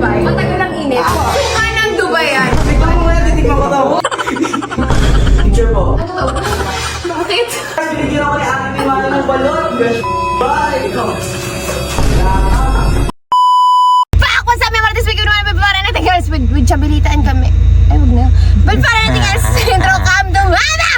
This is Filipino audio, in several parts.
Dubai? Matagal ang init. Suka ng Dubai yan. Tignan mo yan, titignan ko daw. Picture po. Ano to? Bakit? Binigyan ako ni Ate ni Mana ng balon. Bye! Pak! What's up, mga speaking naman para natin guys with Chabilitaan kami. Ay, huwag na. But para natin guys, intro cam to Mana!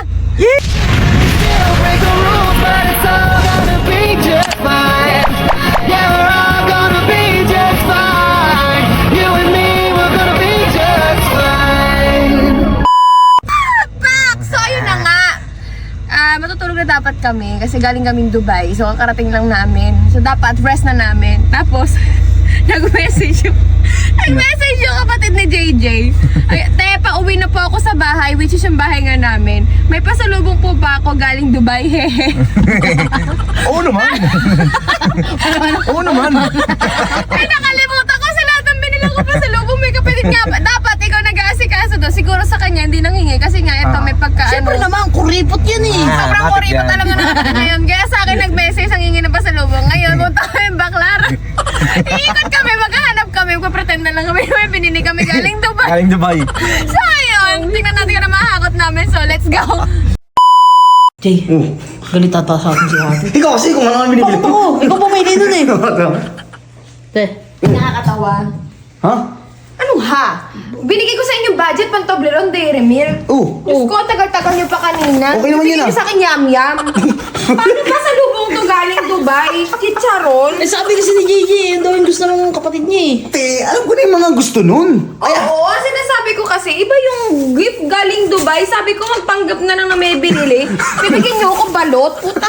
Matutulog na dapat kami kasi galing kaming Dubai. So, kakarating lang namin. So, dapat rest na namin. Tapos, nag-message yung kapatid ni JJ. Ay, te, pauwi na po ako sa bahay, which is yung bahay nga namin. May pasalubong po ba ako galing Dubai? Hehe. Oo naman. Oo naman. Ay, nakalimutan ko sa lahat ng binila ko pasalubong. May kapatid nga ba? Dapat ikaw nag-aasikaso to. Siguro sa kanya hindi nanghingi kasi nga ito may pagka Siyempre naman, kuripot yan eh. Sobrang bakit kuripot yan? talaga natin ngayon. Kaya sa akin nag-message ang hingi ng pasalubong. Ngayon, punta kami baklar. Iikot kami, maghahanap kami. Magpapretend na lang kami. May pinini kami galing Dubai. Galing Dubai. So, ayun. Tingnan natin kung na mahakot namin. So, let's go. Jay, galit ata sa akin si ate. Ikaw kasi kung ano ang binibili ko. Oo, ikaw pumili dun eh. Te, Nakakatawa. Ha? Anong ha? Binigay ko sa inyo budget pang Toblerone Dairy Milk. Oo. Diyos ko, tagal-tagal nyo pa kanina. Okay naman Binigay yun, nyo sa akin yam-yam. Paano ba sa lubong to galing Dubai? Chicharon? eh sabi kasi ni JJ, yun daw yung gusto ng kapatid niya eh. Te, alam ko na yung mga gusto nun. Oo, sinasabi ko kasi, iba yung gift galing Dubai. Sabi ko, magpanggap na lang na may binili. Bibigyan niyo ako balot. Puta.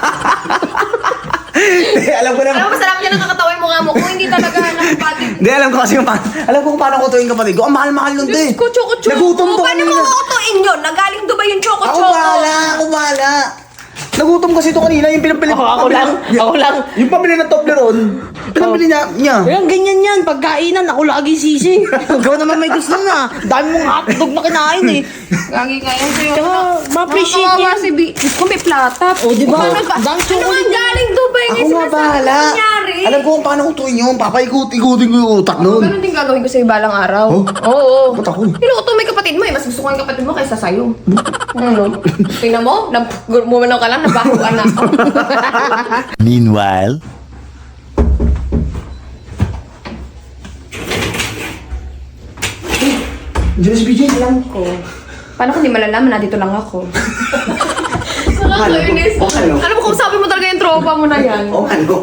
Te, alam ko na. Alam mo, masarap niya nakakatawa yung mukha mo. Kung hindi talaga nakapatid. Hindi, alam ko kasi yung alam ko kung paano ko tuwing kapatid ko. Ang mahal-mahal nun, te. Diyos ko, choco-choco. Nagutom to Paano mo kanina. kukutuin yun? Nagaling Dubai yung Ako choco-choco. bahala, ako bahala. Nagutom kasi ito kanina, yung pinapili. Ako lang. Yung pabili ng Toblerone, pinapili niya. Kaya ganyan yan, pagkainan, ako lagi sisi. Ikaw naman may gusto na. Dami mong hotdog na kinain eh. Gagi ngayon sa'yo. Kaya ma-appreciate Nakakawa yan. si B. Diyos ko, may platap. O, di ba? Ano ba? Dami Ano chocolate nga galing Dubai? Ako nga bahala. Nangyari. Alam ko kung paano ko tuwing yun. Papaikot-ikutin ko yung utak nun. Ganun din gagawin ko sa'yo balang araw. Oh? Oo. Ba't ako? Niluto may kapatid mo eh. Mas gusto ko yung kapatid mo kaysa sa'yo. Ano? Tingnan mo, bumanaw ka lang, nabahuan na ako. Meanwhile. Diyan si BJ. Alam ko. Paano kung di malalaman na dito lang ako? Nakakainis. Ano? Alam mo kung sabi mo talaga yung tropa mo na yan. Oo, ano?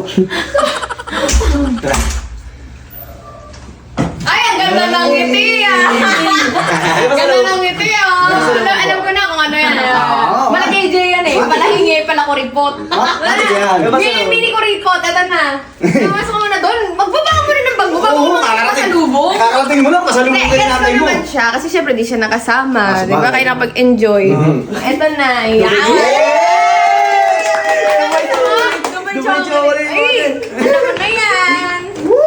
Ay, ang ganda ng ngiti ah! Ganda ng ngiti ah! Alam ko na kung ano yan. Mala KJ yan eh. Pala hingi, pala kuripot. Ano yan? Mini kuripot, eto na. Namasok mo na doon. Magbaba mo rin ng bag mo. Bago mo makasalubong. Kakarating mo lang, pasalubong Hindi, ka gets natin ko mo. naman siya. Kasi syempre di siya nakasama. Ah, Di ba? sabagay. Kaya nakapag-enjoy. Eto na. Yan. Dubai chocolate. Ay, alam mo na yan.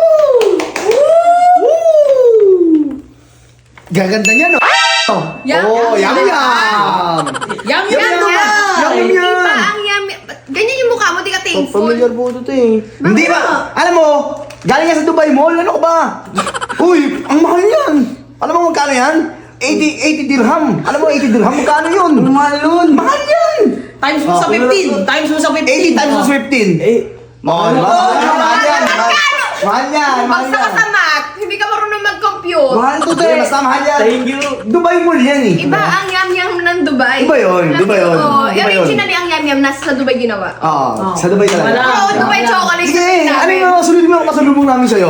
Gaganda niya, no? Yum, Oh, yum, yum, yum. yum. Yum, Yan, yum, yan. Yum, Hindi yum. ba ang yummy? Ganyan yung mukha mo, di ka thankful. po ito, te. Hindi ba? Alam mo, galing yan sa Dubai Mall, ano ko ba? Uy, ang mahal yan. Alam mo magkano yan? 80 dirham. Alam mo, 80 dirham, magkano yun? Ang mahal nun. Mahal yan. Times mo sa 15. Times mo sa 15. 80 times 15. Mahal ba? Mahal yan. Mahal yan. Mahal Basta ka yan. sa math, hindi ka marunong mag-compute. Mahal to, te. Basta mahal yan. Thank you. Dubai Mall yan eh. Iba ang yum-yum ng Dubai. Iba yun, Dubai yun. Oo, Dubai yun. originally ang yum-yum nasa sa Dubai ginawa. Oo, sa Dubai talaga. Wala. Oo, Dubai chocolate. Sige, sabihin ano namin. yung sunod mo ang kasalubong namin sa'yo?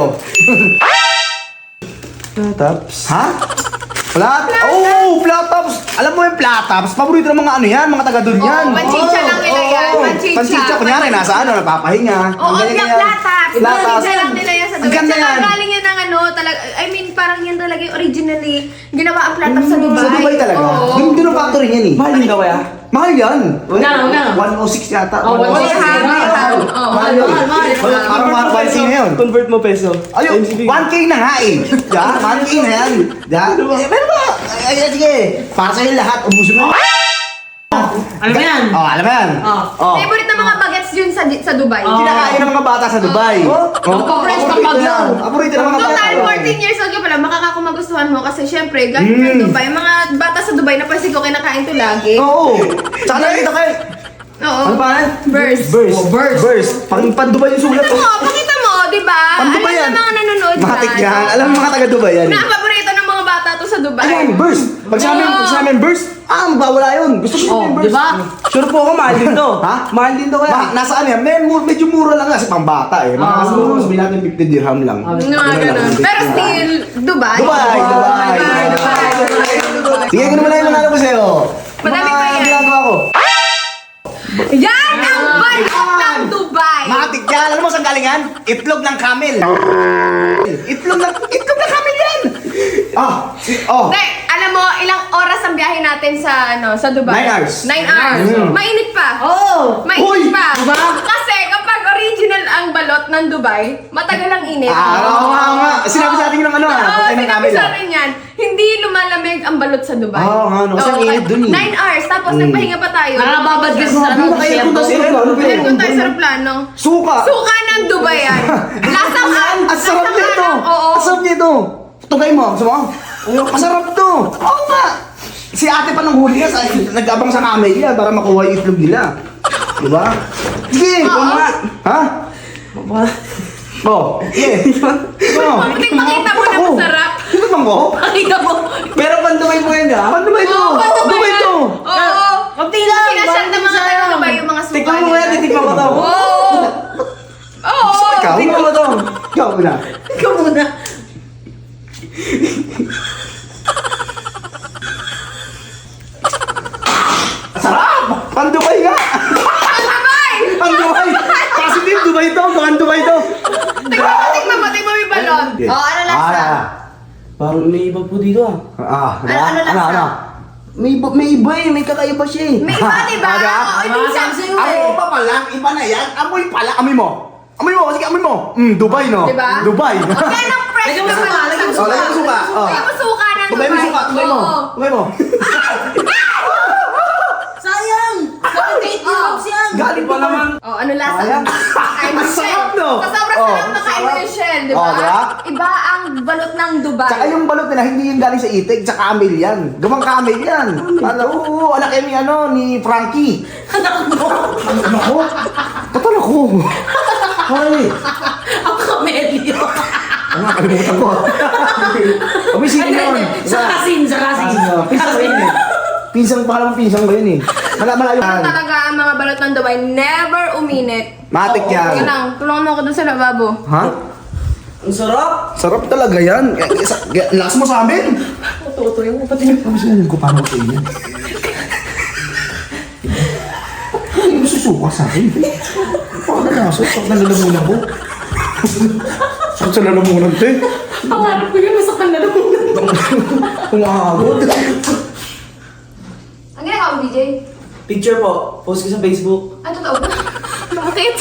Flatops? Ha? Flat? Oh, flatops! Alam mo yung flatops, paborito ng mga ano yan, mga taga doon yan. Oo, panchicha lang nila yan, panchicha. Panchicha, kunyari, nasa ano, nagpapahinga. Oo, Ganyan, yung ganyan. platas. Platas. Isa lang nila yan sa Ang Dubai. ganda Tsaka yan. galing yan ng ano, talaga, I mean, parang yan talaga yung originally ginawa ang platas sa Dubai. Sa Dubai talaga. Oo. Doon ang factory yan eh. Mahal din ka kaya? Mahal yan. Una. 106 yata. Oh, 106. Mahal. Mahal yun. Parang mga 1K na yun. Convert mo peso. Ayun, 1K na nga eh. Yeah, 1K na yan. Yeah. Eh, pero ba? Ay, sige. Para sa'yo lahat, ubusin mo. Alam mo yan? Oh, alam mo yan. Oh. Oh. Favorite na mga bagets yun sa sa Dubai. Kinakain ng mga bata sa Dubai. Paborito ng Paborito bagyo. Paborito ng mga bata. Total, 14 years old ka pala, makakakumagustuhan mo kasi syempre, galing from Dubai, mga bata sa Dubai na pansin ko kinakain to lagi. Oo. Tsaka nakita kayo. Oo. Ano pa yan? Burst. Burst. Pang-Dubai yung sulat. Ito mo, pakita mo, di ba? Pang-Dubai Alam yan. na mga nanonood Matik dyan. yan. Alam mo mga taga-Dubai yan. Na ang paborito ng mga bata to sa Dubai. Ayan, burst. Pag sa amin burst, mabawala yun. Gusto ko yung burst. Di ba? Sure po ako, mahal din to. Ha? Mahal din to kaya. Nasaan yan? Medyo mura lang kasi pang bata eh. Mga siguro sabihin natin 50 dirham lang. Mga ganun. Pero still, Dubai. Dubai. Sige, ganun mo na yung manalo ko sa'yo. Madami pa yan. Ginagawa ko. Yan ang balot ng Dubai. Matik yan. Alam mo saan galingan? Itlog ng camel. Itlog ng camel yan. Hindi, alam mo, ilang oras ang biyahe natin sa Dubai? 9 hours. 9 hours. Mainit pa. Oo. Mainit Uy! pa. Diba? Kasi kapag original ang balot ng Dubai, matagal ang init. Oo nga. Sinabi sa atin ng ano Oo, pagkain ng sinabi camel. sa atin yan. Hindi lumalamig ang balot sa Dubai. Oo nga, no. Kasi ang init dun eh. 9 hours, tapos nagpahinga pa tayo. Nakakababad kasi sa ano. Meron tayo sa aeroplano. Suka. Suka ng Dubai yan. Lasang Ang sarap lasang nito. alak, Oo. Ang sarap nito. Tugay mo. Gusto mo? Masarap to. Oo nga. Si ate pa nang huli yan. Nag-abang sa camel yan para makuha yung itlog nila. Diba? Sige. Oo. nga. Ha? Oh. Sige. Oh. Pating makita mo na masarap. Ito bang ko? Pakita mo. Pero pandumay mo yan ha? Paano ba ito? Oo, Ano ba ito? Oo. Kunti lang. Sinasyan ng mga taga Dubai yung mga suka Tikman mo yan, titikman ko to. Oo. Oo. Ikaw? Tikman mo to. Ikaw na. Ikaw muna. Sarap! Pandubay nga! Dubai! Pandubay! Positive Dubai to! Pandubay to! Tingnan mo yung balon. Oh, ano lasa? Parang may iba po dito ah. Ano lasa? May iba eh, may kakaiba siya eh. May iba, diba? Aga? Oo, hindi siya. Amoy pa pala, iba na yan. Amoy pala, amoy mo. Amoy mo, sige amoy mo. Dubai no? Diba? Dubai. Okay, anong fresh Lagyan mo na suka, balon? lagyan mo Oh, lagyan mo suka. Oh. Lagyan mo suka ng Tugay mo suka, tugay mo. Oo. Tugay mo. Sayang! Sabi date ni Pops yan! Galing pa naman. Oh, ano lasa? Ayan. Kain mo Ang shell. sarap, no? Sa sobrang Oh, sarap na kain mo yung shell, di Oh, ba? diba? Iba ang balot ng Dubai. Tsaka yung balot nila, hindi yung galing sa itik, sa camel yan. Gawang camel yan. Oo, anak yan ni Frankie. Anak mo! Ano ko? Total ako. Ay. Ang kamelyo! Ano nga, kalimutan ko. Kami sino yun? Sa kasin! Pinsan ko yun eh. Pinsan, pangalang pinsan ko yun eh. Malayo. Talaga ang mga balot ng Dubai, never uminit. Matik Yan yan. lang, tulungan mo ako dun sa lababo. Ha? Ang sarap! Sarap talaga yan. Lakas mo sa amin. Tutuloy mo pati yung... Tapos yan, ko paano ko yun. Hindi mo susuka sa akin. Paano na? Sakit na lalamunan ko. Sakit sa lalamunan ko eh. Pangarap ko yun, masakal na lang. Umahagod. Ang ginagawa mo, BJ? Picture po, post ko sa Facebook. Ay, totoo ba? Bakit?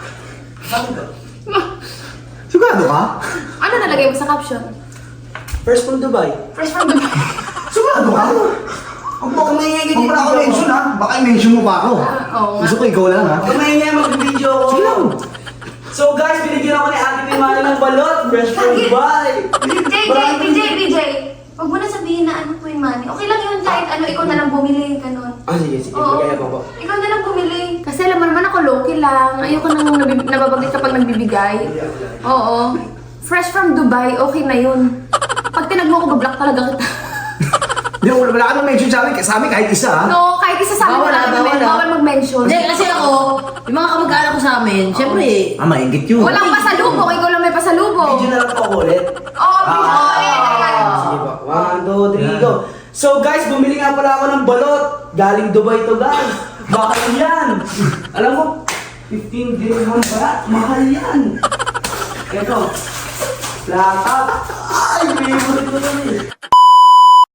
Sigurado ka? Ano nalagay mo sa caption? First from Dubai. Fresh from Dubai. Sigurado ka? Huwag mo akong maingay Huwag mo na ako mention ha. Baka i-mention mo pa ako. Oo nga. Gusto ko ikaw lang ha. Kung may nga mag-video ko. Sige lang. So guys, binigyan ako ni Ate Pimana ng balot. Fresh from Dubai. BJ. Huwag mo na sabihin na ano po yung money. Okay lang yun kahit ano, ikaw na lang bumili, ganun. Ah, sige. Oo. Magkaya pa po. Ikaw na lang bumili. Kasi alam mo naman ako, low-key lang. Ayoko nang nababanggit kapag nagbibigay. Oo. Fresh from Dubai, okay na yun. Pag tinag mo ko, bablock talaga kita. Hindi, wala ka nang mention sa amin kahit isa ha. No, kahit isa sa amin, bawal mag-mention. Hindi, kasi ako, yung mga kamag-anak ko sa amin, syempre, Maingit yun. Walang pasalubong, ikaw lang may pasalubong. video na lang po ako ulit. Oo, Sige po. 1, 2, 3, go. So guys, bumili nga pala ako ng balot. Galing Dubai to guys. Bakit yan? Alam mo, 15 dirham pala. Mahal yan. Ito. Plata. Ay, favorite ko to eh.